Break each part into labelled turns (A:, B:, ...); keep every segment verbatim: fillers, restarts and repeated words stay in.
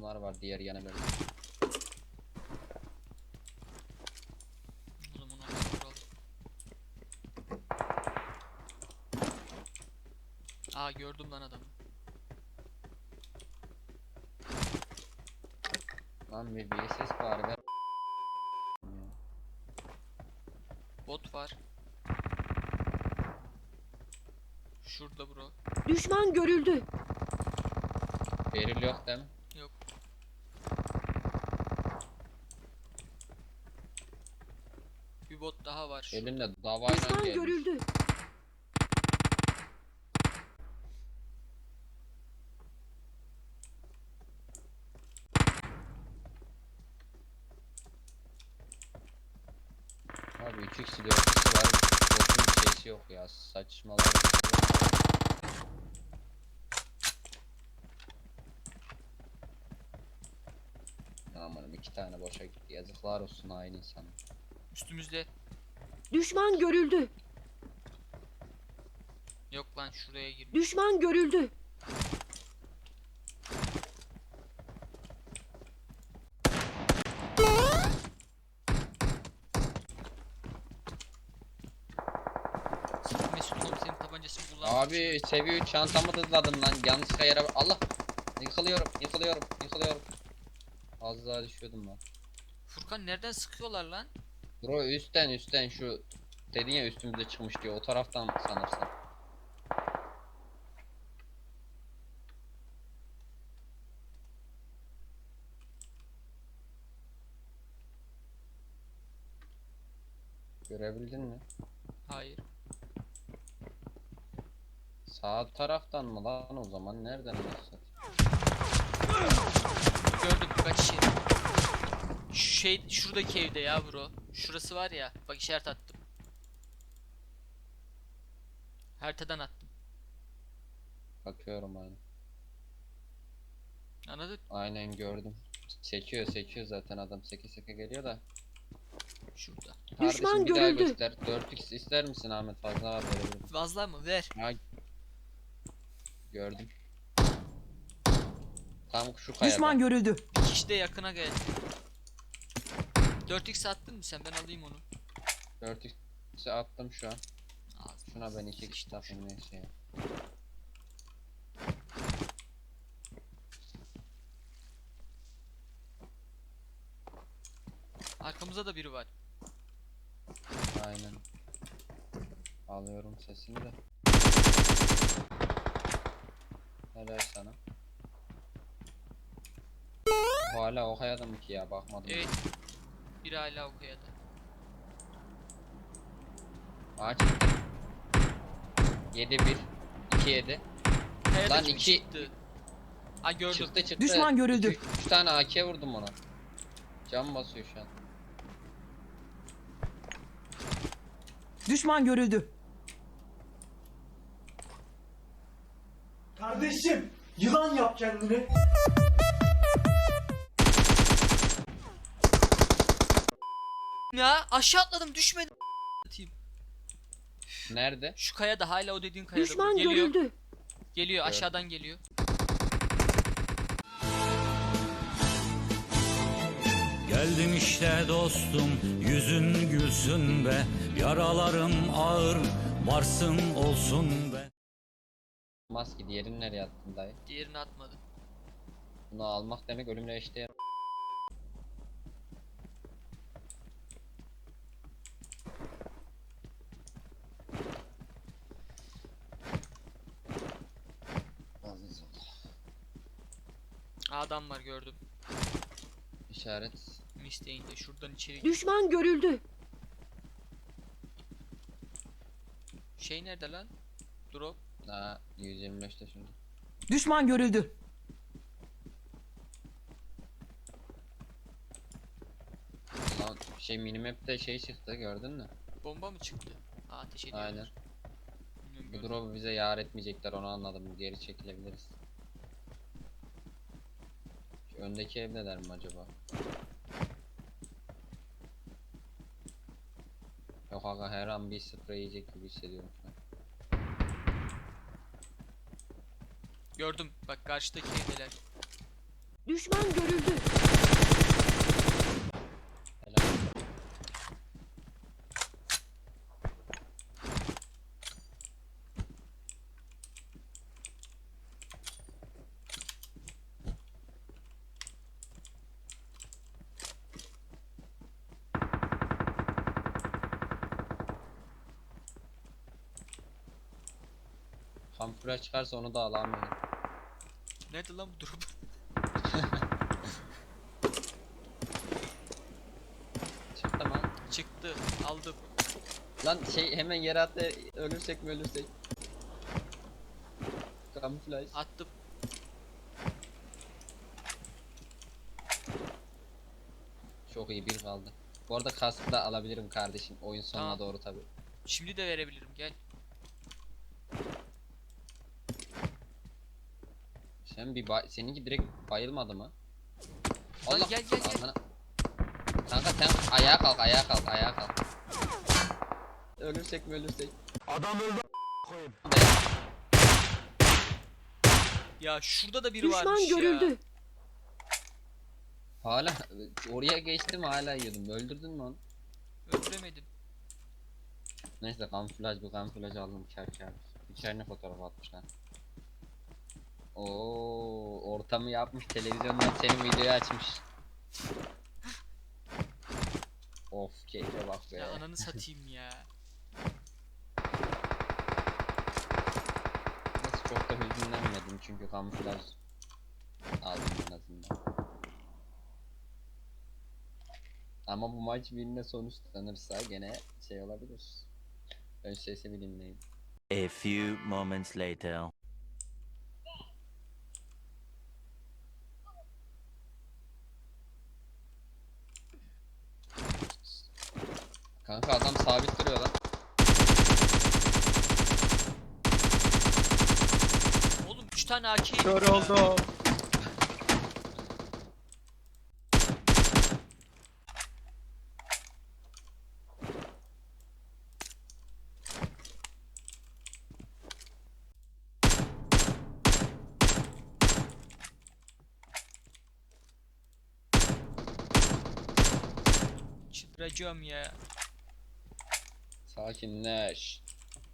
A: adamlar var diğer yana böyle.
B: O zaman onu vuralım. Aa gördüm lan adamı.
A: Lan bir V S S bari ver.
B: Bot var. Şurada bro.
C: Düşman görüldü.
A: Beril yok değil mi?
B: Yok. Bir bot daha var şu.
A: Elimle davayla
C: Düşman
A: gelmiş.
C: görüldü.
A: Abi üç x dört x var. Botun şeysi yok ya. Saçmalar. Amanım iki tane boşa gitti. Yazıklar olsun aynı insana.
B: Üstümüzde.
C: Düşman görüldü.
B: Yok lan şuraya girmiş.
C: Düşman görüldü.
B: Mesut oğlum senin tabancasını kullanmak
A: Abi
B: için-
A: seviye üç çantamı hızladım lan. Yanlışlıkla yere Allah. Yıkılıyorum, yıkılıyorum, yıkılıyorum. Az daha düşüyordum lan.
B: Furkan nereden sıkıyorlar lan?
A: Bro üstten üstten şu dedin ya üstümüze çıkmış diyor. O taraftan sanırsın. Görebildin mi?
B: Hayır.
A: Sağ taraftan mı lan o zaman? Nereden nasıl?
B: Gördüm kaç yeri. Şu şey şuradaki evde ya bro. Şurası var ya. Bak işaret attım. Haritadan attım.
A: Bakıyorum aynen.
B: Anladın?
A: Aynen gördüm. Sekiyor sekiyor zaten adam seke seke geliyor da.
B: Şurada.
C: Düşman
A: Kardeşim bir daha
C: görüldü.
A: göster. dört x ister misin Ahmet? Fazla var verebilirim.
B: Fazla mı? Ver.
A: Ha. Gördüm. Tam şu kayada.
D: Düşman görüldü.
B: Bir kişi de yakına geldi. dört x attın mı sen? Ben alayım onu.
A: dört x'i attım şu an.
B: Ağzına
A: Şuna ben iki kişi
B: sıçtım
A: takayım neyse ya.
B: Arkamızda da biri var.
A: Aynen. Alıyorum sesini de. Helal sana. Bu hala o kayada mı ki ya bakmadım.
B: Evet. Biri hala o kayada.
A: Ağaç. yedi bir. iki yedi.
B: Kayada
A: Lan
B: kim
A: iki-
B: çıktı? Ha gördüm.
A: Çıktı çıktı.
D: Düşman görüldü.
A: üç tane A K vurdum ona. Cam basıyor şu an.
D: Düşman görüldü.
E: Kardeşim, yılan yap kendini.
B: Ya aşağı atladım düşmedim. Atayım.
A: Nerede?
B: Şu kayada hala o dediğin kayada.
C: Düşman
B: geliyor.
C: görüldü.
B: Geliyor
A: Gördüm.
B: aşağıdan geliyor.
F: Geldim işte dostum, yüzün gülsün be. Yaralarım ağır, varsın olsun be.
A: Maske diğerini nereye attın dayı?
B: Diğerini atmadı.
A: Bunu almak demek ölümle eşdeğer. Aziz ol.
B: Adam var gördüm.
A: İşaret.
B: Misteğinde şuradan içeri.
C: Düşman görüldü.
B: Şey nerede lan? Drop.
A: Daha yüz yirmi beşte şimdi.
D: Düşman görüldü.
A: Lan şey minimap'te şey çıktı gördün mü?
B: Bomba mı çıktı? Aa ateş ediyor.
A: Aynen. Bu drop'u bize yar etmeyecekler onu anladım. Geri çekilebiliriz. Şu öndeki evdeler mi acaba? Yok aga her an bir sprey yiyecek gibi hissediyorum şu an.
B: Gördüm. Bak karşıdaki evdeler.
C: Düşman görüldü.
A: Helal. Kampüre çıkarsa onu da alamıyorum.
B: Nerede lan bu durum?
A: Çıktı mı?
B: Çıktı. Aldım.
A: Lan şey hemen yere attı, ölürsek mi ölürsek? Kamuflaj.
B: Attım.
A: Çok iyi, bir kaldı. Bu arada kaskı da alabilirim kardeşim, oyun sonuna
B: Tamam.
A: doğru tabi.
B: Şimdi de verebilirim. Gel.
A: Sen bir bay seninki direkt bayılmadı mı?
B: Lan gel, gel, gel.
A: Amına- Kanka sen ayağa kalk, ayağa kalk, ayağa kalk. Ölürsek mi ölürsek?
B: Ya şurada da biri varmış
C: Düşman
B: ya.
C: görüldü.
A: Hala oraya geçtim, hala yiyordum. Öldürdün mü onu?
B: Öldüremedim.
A: Neyse, kamuflaj bu, kamuflaj aldım kar kar. İçerine fotoğraf atmışlar. Oo, ortamı yapmış, televizyondan senin videoyu açmış. Of, keyfe bak be.
B: Ya ananı satayım ya.
A: Neyse, çok da hüzünlenmedim çünkü kamuflaj aldım en azından. Ama bu maç birine sonuçlanırsa gene şey olabilir. Ön sesi bir dinleyin.
G: A few moments later.
A: Kanka adam sabit duruyor lan.
B: Oğlum üç tane A K.
H: Kör oldum.
B: Çıldıracağım ya.
A: Sakinleş.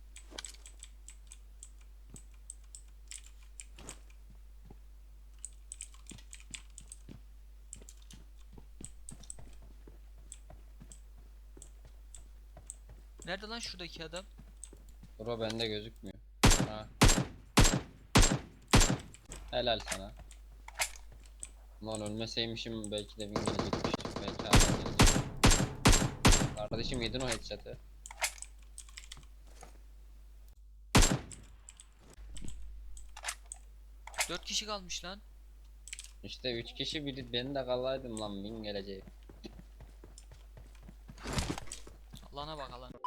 B: Nerede lan şuradaki adam?
A: Bro bende gözükmüyor. Ha. Helal sana. Lan ölmeseymişim belki de bin gelecekmiş. Belki hala gelecek. Kardeşim yedin o headshot'ı.
B: Dört kişi kalmış lan.
A: İşte üç kişi, biri ben de kalaydım lan, bin gelecek.
B: Alana bak alan.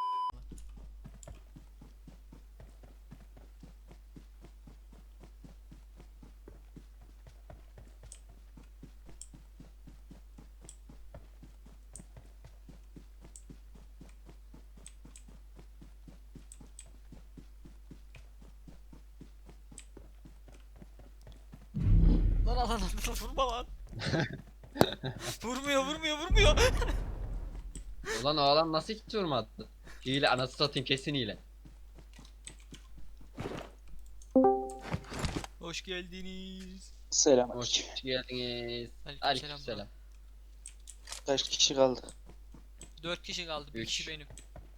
B: Lan alan alan vurma lan. Vurmuyor vurmuyor vurmuyor.
A: Ulan o adam nasıl hiç vurmadı? Hile, anası satayım, kesin hile.
B: Hoş geldiniz.
I: Selam.
A: Hoş geldiniz.
B: Aleykümselam.
A: Aleykümselam.
I: Kaç kişi kaldı?
B: Dört kişi kaldı. Bir
A: Üç.
B: kişi benim.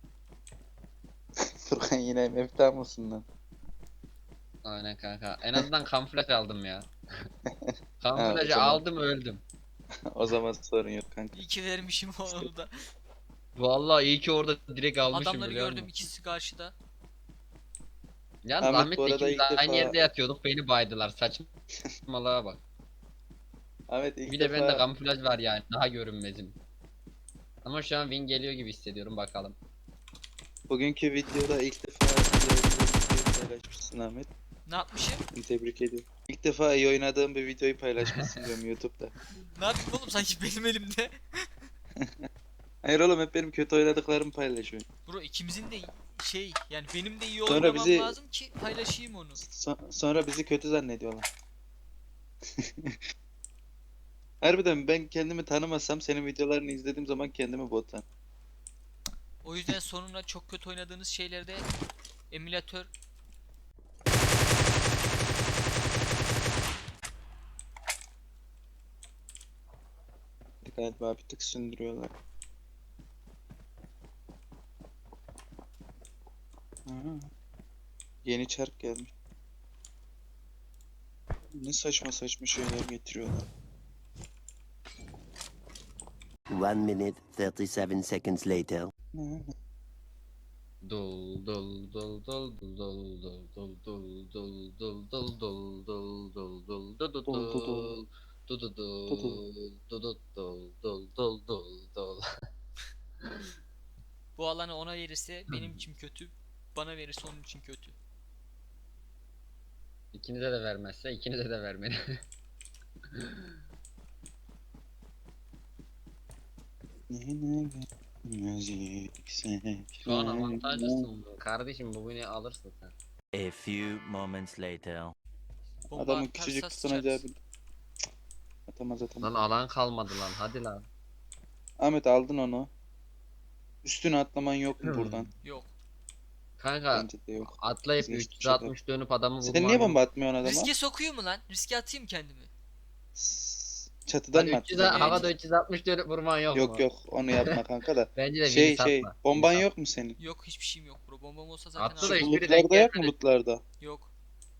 I: Furkan yine mefta mısın lan?
A: Aynen kanka. En azından kamuflaj aldım ya.
I: Ha,
A: Kamuflajı
I: o zaman-
A: aldım, öldüm.
I: O zaman sorun yok kanka.
B: İyi ki vermişim onu da.
A: Vallahi iyi ki orada direkt almışım,
B: Adamları
A: biliyor
B: gördüm,
A: musun?
B: ikisi karşıda.
A: Yalnız
I: Ahmet,
A: Ahmet'le
I: bu arada
A: ikimiz
I: ilk
A: aynı
I: defa-
A: yerde yatıyorduk, beni baydılar, saçmalığa bak.
I: Ahmet ilk
A: Bir de
I: defa
A: bende kamuflaj var yani, daha görünmezim. Ama şu an win geliyor gibi hissediyorum, bakalım.
I: bugünkü videoda ilk defa iyi oynadığın bir videoyu paylaşmışsın Ahmet.
B: Ne yapmışım?
I: Seni tebrik ediyorum. İlk defa iyi oynadığım bir videoyu paylaşmışsın diyorum YouTube'da.
B: Ne yapayım oğlum, sanki benim elimde.
I: Hayır oğlum, hep benim kötü oynadıklarımı paylaşıyorsun.
B: Bro ikimizin de şey, yani benim de iyi
I: Sonra
B: oynamam
I: bizi-
B: lazım ki paylaşayım onu.
I: So- sonra bizi kötü zannediyorlar. Harbiden ben kendimi tanımasam senin videolarını izlediğim zaman kendimi bot san.
B: O yüzden sonuna çok kötü oynadığınız şeylerde emülatör
I: Galiba bir tık sündürüyorlar. Aha. Yeni çark gelmiş. Ne saçma saçma şeyler getiriyorlar.
G: One minute, thirty-seven seconds later.
I: Aha.
A: Dol dol dol dol dol dol dol dol dol dol dol dol dol dol dol dol dol
I: Dol, dol, dol.
A: Du du du,
I: Dol, dol.
A: du du dol dol dol dol dol.
B: bu alanı ona verirse benim için kötü, bana verirse onun için kötü.
A: İkinize de vermezse ikinize de vermeli. Şu an avantajlısın kardeşim, bugünü alırsın sen.
G: A few moments later.
B: Bomba
I: Adamın
B: atarsa
I: küçücük
B: sıçarız.
I: tutunacağı bir... Atamaz atamaz.
A: Lan alan kalmadı lan, hadi lan.
I: Ahmet aldın onu. Üstüne atlaman yok mu
A: Hmm.
I: buradan?
B: Yok.
A: Kanka
I: Bence de yok.
A: atlayıp
I: Vazgeçtim
A: üç yüz altmış dönüp adamı
I: Sen
A: vurman
I: niye
A: yok.
I: bomba atmıyorsun adama?
B: Riske sokuyor mu lan? Riske atayım kendimi.
I: S- Çatıdan
A: Hadi
I: mı
A: üç yüz,
I: attın?
A: havada üç yüz altmış dönüp vurman yok,
I: Yok
A: mu?
I: yok onu yapma kanka da.
A: Bence de
I: Şey
A: Vince
I: şey
A: atma.
I: bomban
A: Vince
I: yok mu senin?
B: Yok, hiçbir şeyim yok bro. Bombam olsa zaten
A: Attı da
B: alırım.
A: hiçbiri denk
I: Lootlarda yok mu
A: gelmedi.
I: lootlarda?
B: Yok.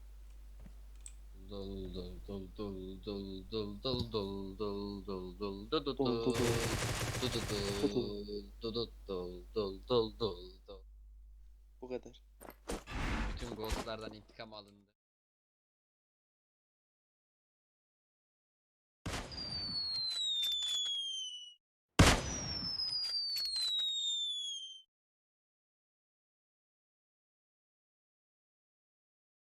A: Dol dol dol dol dol dol dol dol dol dol dol dol dol
I: Dol, dol, dol.
A: dol dol dol dol dol dol dol dol.
I: Bu kadar.
A: Bütün ghostlardan intikam alındı.